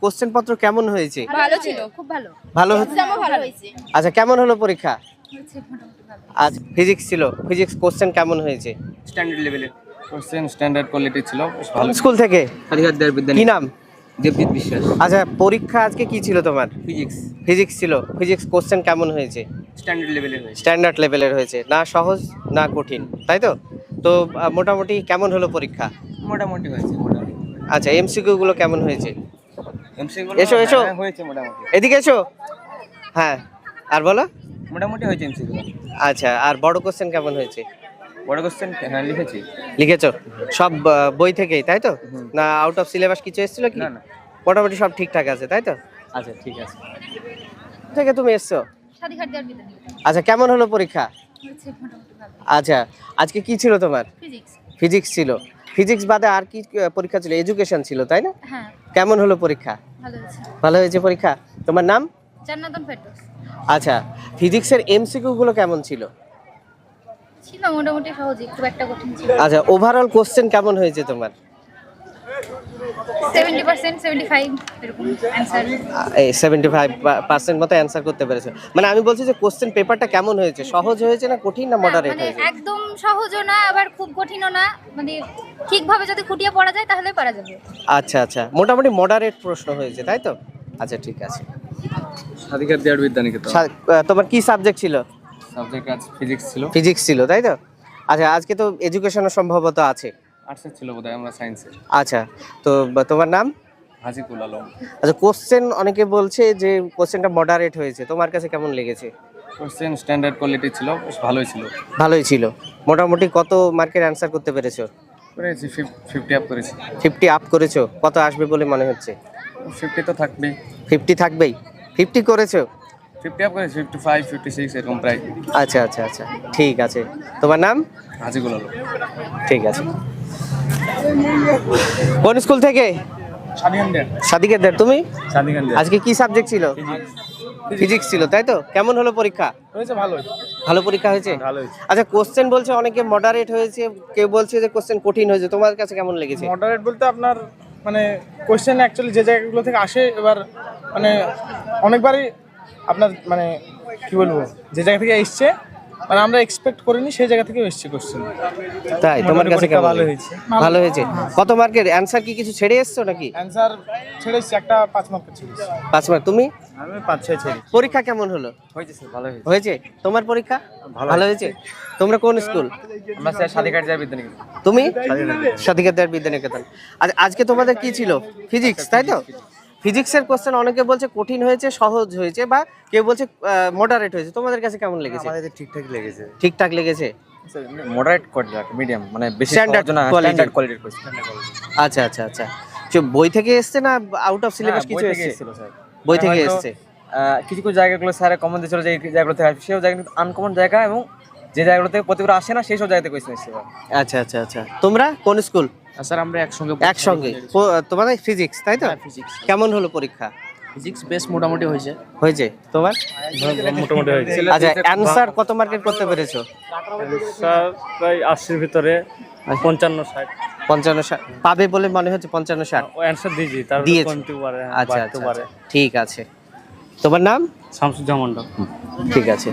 Question পত্র কেমন হয়েছে? ভালো ছিল, খুব ভালো। ভালো এক্সামও ভালো হয়েছে। আচ্ছা, কেমন হলো পরীক্ষা? হয়েছে মোটামুটি ভালো। আজ ফিজিক্স ছিল, ফিজিক্স কোশ্চেন কেমন হয়েছে? স্ট্যান্ডার্ড লেভেলের কোশ্চেন, স্ট্যান্ডার্ড কোয়ালিটি ছিল, বেশ ভালো। স্কুল থেকে হারিহার দেয়ার বিদ্যানী। কি নাম? দেবজিৎ বিশ্বাস। আচ্ছা, পরীক্ষা আজকে কি ছিল তোমার? ফিজিক্স ফিজিক্স ছিল, ফিজিক্স কোশ্চেন কেমন হয়েছে? স্ট্যান্ডার্ড লেভেলের হয়েছে। স্ট্যান্ডার্ড লেভেলের হয়েছে, না সহজ না কঠিন, তাই তো? তো মোটামুটি কেমন হলো পরীক্ষা? মোটামুটি হয়েছে, মোটামুটি। আচ্ছা, এমসিকিউ গুলো কেমন হয়েছে? এমসিকিউ এসো, এসো। হয়েছে মোটামুটি। এদিকে এসো। হ্যাঁ, আর বলো। মোটামুটি হয়েছে এমসিকিউ। আচ্ছা, আর বড় কোশ্চেন কেমন হয়েছে? বড় কোশ্চেন হ্যাঁ লিখেছি। লিখেছো সব বই থেকেই, তাই তো? না আউট অফ সিলেবাস কিছু এসেছিল কি? না না। মোটামুটি সব ঠিকঠাক আছে, তাই তো? আচ্ছা, ঠিক আছে। থেকে তুমি এসছো? হারিহার দেয়ার বিদ্যানী। আচ্ছা, কেমন হলো পরীক্ষা? হয়েছে মোটামুটি ভালো। আচ্ছা, আজকে কি ছিল তোমার? ফিজিক্স। ফিজিক্স ছিল। ফিজিক্স বাদে আর কি পরীক্ষা ছিল? এডুকেশন ছিল, তাই না? হ্যাঁ, কেমন হলো পরীক্ষা? ভালো হয়েছে। ভালো হয়েছে পরীক্ষা। তোমার নাম? জান্নাতুল ফেরদৌস। আচ্ছা, ফিজিক্সের এমসিকিউ গুলো কেমন ছিল? ছিল মোটামুটি সহজই, খুব একটা কঠিন ছিল। আচ্ছা, ওভারঅল কোশ্চেন কেমন হয়েছে তোমার? 70% 75 এরকম অ্যানসার। এই 75% মতো অ্যান্সার করতে পেরেছো। মানে আমি বলছি যে কোশ্চেন পেপারটা কেমন হয়েছে? সহজ হয়েছে না কঠিন না মডারেট মানে হয়েছে? একদম সহজও না, আবার খুব কঠিনও না, মানে ঠিকভাবে যদি খুঁটিয়ে পড়া যায় তাহলে পারা যাবে। আচ্ছা আচ্ছা, মোটামুটি মডারেট প্রশ্ন হয়েছে, তাই তো? আচ্ছা, ঠিক আছে। হারিহার দেয়ার বিদ্যানী তো তোমার কি সাবজেক্ট ছিল? সাবজেক্ট আজ ফিজিক্স ছিল। ফিজিক্স ছিল, তাই তো? আচ্ছা, আজকে তো এডুকেশনও সম্ভবত আছে। আর্টসের ছিল বোধহয়, আমরা সায়েন্সে। আচ্ছা, তো তোমার নাম? হাজিকুল আলম। আচ্ছা, কোশ্চেন অনেকে বলছে যে কোশ্চেনটা মডারেট হয়েছে, তোমার কাছে কেমন লেগেছে? কোশ্চেন স্ট্যান্ডার্ড কোয়ালিটি ছিল, বেশ ভালোই ছিল। ভালোই ছিল। মোটামুটি কত মার্কের অ্যান্সার করতে পেরেছো? করেছি 50 আপ করেছি। 50 আপ করেছো। কত আসবে বলে মনে হচ্ছে? 50 তো থাকবেই। 50 থাকবেই। 50 করেছো? 50 আপ করেছি, 55 56 এরকম প্রায়। আচ্ছা আচ্ছা আচ্ছা, ঠিক আছে। তোমার নাম? হাজিকুল আলম। ঠিক আছে। কোন স্কুল থেকে? সাদিকের। তুমি? আজকে কি সাবজেক্ট ছিল? ফিজিক্স ছিল, তাই তো? কেমন হলো পরীক্ষা? হয়েছে ভালো। ভালো পরীক্ষা হয়েছে। ভালো হয়েছে। আচ্ছা, কোশ্চেন বলছে অনেকে মডারেট হয়েছে, কেউ বলছে যে কোশ্চেন কঠিন হয়েছে, তোমার কাছে কেমন লেগেছে? মডারেট বলতে আপনার মানে কোশ্চেন অ্যাকচুয়ালি যে জায়গাগুলো থেকে আসে, এবার মানে অনেকবারই আপনার মানে কি বলবো, যে জায়গা থেকে এসছে মানে আমরা এক্সপেক্ট করিনি সেই জায়গা থেকে এসছে কোশ্চেন। তাই তোমার কাছে কেমন ভালো লেগেছে? হয়েছে। ভালো হয়েছে। কত মার্কের অ্যানসার কি কিছু ছেড়ে এসছো নাকি? অ্যান্সার ছেড়েছি, একটা 5 মার্কের ছেড়েছি। 5 মার্ক। তুমি? আমি 5-6 ছেড়েছি। পরীক্ষা কেমন হলো? হয়েছে স্যার, ভালো হয়েছে। হয়েছে। তোমার পরীক্ষা ভালো হয়েছে। তোমরা কোন স্কুল? আমরা স্যার সাদিকার দেয়ার বিদ্যানী। তুমি? সাদিকার বিদ্যানিকেতন। আজকে তোমাদের কি ছিল? ফিজিক্স, তাই তো? ফিজিক্সের কোশ্চেন অনেকে বলছে কঠিন হয়েছে, সহজ হয়েছে, বা কেউ বলছে মডারেট হয়েছে। তোমাদের কাছে কেমন লেগেছে? আমাদের ঠিকঠাক লেগেছে। ঠিকঠাক লেগেছে। মডারেট কোয়ালিটি, মিডিয়াম, মানে বেশি Standard সহজ না, quality। স্ট্যান্ডার্ড কোয়ালিটির কোশ্চেন। আচ্ছা আচ্ছা আচ্ছা। বই থেকে এসছে না আউট অফ সিলেবাস কিছু এসছে? স্যার বই থেকে এসছে। কিছু কিছু জায়গাগুলো স্যার কমন দিয়েছিল, যে এই জায়গাগুলো থেকে আসবে, সেও জায়গা কিন্তু আনকমন জায়গা, এবং যে জায়গাগুলো থেকে প্রতিবার আসে না সেই সব জায়গাতে কোয়েশ্চেন এসেছে। আচ্ছা আচ্ছা আচ্ছা। তোমরা কোন স্কুল? স্যার আমরা একসঙ্গে একসঙ্গে। তোমাদের ফিজিক্স, তাই তো? ফিজিক্স। কেমন হলো পরীক্ষা? ফিজিক্স বেশ মোটামুটি হয়েছে। হয়েছে। তোমার? মোটামুটি হয়েছে। আচ্ছা, অ্যানসার কত মার্কের করতে পেরেছো? স্যার প্রায় 80-র ভিতরে 55-60 55 পাবে বলে মনে হচ্ছে। 55-60 ও অ্যান্সার দিয়েছি, তার দিয়েছো। কমতে পারে, আচ্ছা বাড়তে আচ্ছা পারে। আচ্ছা, ঠিক আছে। তোমার নাম? শামসুজ্জামান মন্ডল। ঠিক আছে।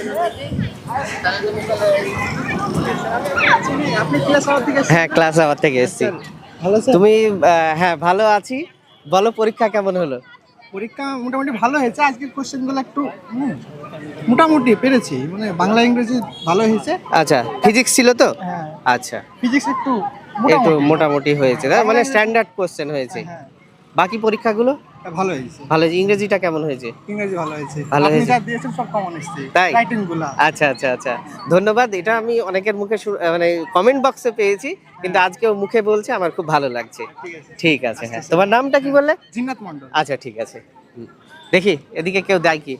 হ্যাঁ, ক্লাস আওয়ার থেকে এসেছি। তুমি? হ্যাঁ, ভালো আছি। বলো, পরীক্ষা কেমন হলো? পরীক্ষা মোটামুটি ভালো হয়েছে। আজকের কোশ্চেনগুলো একটু মোটামুটি পেরেছি, মানে বাংলা ইংরেজি ভালো হয়েছে। আচ্ছা, ফিজিক্স ছিল তো? হ্যাঁ, আচ্ছা, ফিজিক্স একটু একটু মোটামুটি হয়েছে, তাই? মানে স্ট্যান্ডার্ড কোশ্চেন হয়েছে। হ্যাঁ, বাকি পরীক্ষাগুলো ভালো হয়েছে। ভালো হয়েছে। ইংরেজিটা কেমন হয়েছে? ইংরেজি ভালো হয়েছে। ভালো আপনি হয়েছে। যা দিয়েছেন সব কমন এসেছে, তাই? রাইটিংগুলো। আচ্ছা আচ্ছা আচ্ছা, ধন্যবাদ। এটা আমি অনেকের মুখে মানে কমেন্ট বক্সে পেয়েছি, কিন্তু আজকেও মুখে বলছে, আমার খুব ভালো লাগছে। ঠিক আছে। হ্যাঁ, তোমার নামটা কি বললে? জিন্নাত মন্ডল। আচ্ছা, ঠিক আছে। দেখি এদিকে কেউ দেয় কি।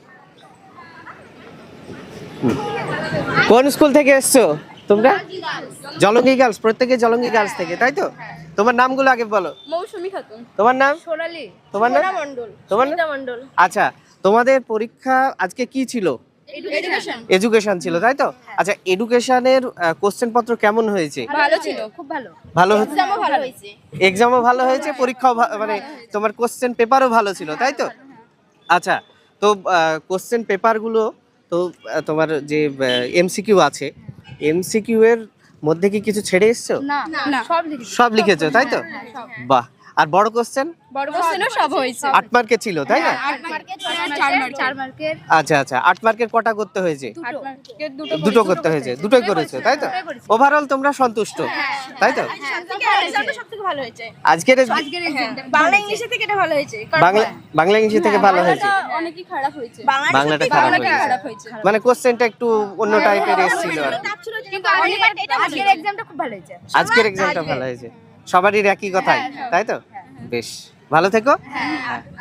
কোন স্কুল থেকে এসছো তোমরা? জলঙ্গি গার্লস। প্রত্যেকে জলঙ্গি গার্লস থেকে, তাই তো? তোমার নামগুলো আগে বলো। মৌসুমী খাতুন। তোমার নাম? সোনালী। তোমার নাম? মণ্ডল। তোমার নাম? মণ্ডল। আচ্ছা, তোমাদের পরীক্ষা আজকে কি ছিল? এডুকেশন ছিল তাই তো? আচ্ছা, এডুকেশনের কোশ্চেন পত্র কেমন হয়েছে? ভালো ছিল, খুব ভালো। ভালো এক্সামও ভালো হয়েছে। এক্সামও ভালো হয়েছে, পরীক্ষাও মানে তোমার কোশ্চেন পেপারও ভালো ছিল তাই তো? আচ্ছা, তো কোশ্চেন পেপারগুলো তো তোমার যে এমসিকিউ আছে, এমসিকিউ এর মধ্যে কি কিছু ছেড়ে এসছো? না, সব লিখেছি। সব লিখেছো তাই তো? বাহ। আর বড় কোশ্চেন বড় কোশ্চেনও সব হয়েছে। 8 মার্কের ছিল তাই না? 8 মার্কের 4 মার্কের আচ্ছা আচ্ছা, 8 মার্কের কটা করতে হয়েছে? 8 মার্কের দুটো করতে হয়েছে, দুটোই করেছো তাই তো? ওভারঅল তোমরা সন্তুষ্ট তাই তো? সবথেকে ভালো হয়েছে। আজকের আজকের এক্সামটা বাংলা ইংলিশে থেকে এটা ভালো হয়েছে। বাংলা ইংরেজি থেকে ভালো হয়েছে, অনেকই খারাপ হয়েছে। বাংলাটা খারাপ হয়েছে, মানে কোশ্চেনটা একটু অন্য টাইপের এসেছিল। কিন্তু আজকের এক্সামটা খুব ভালো হয়েছে। আজকের এক্সামটা ভালো হয়েছে, সবারই একই কথাই তাই তো? বেশ, ভালো থেকো।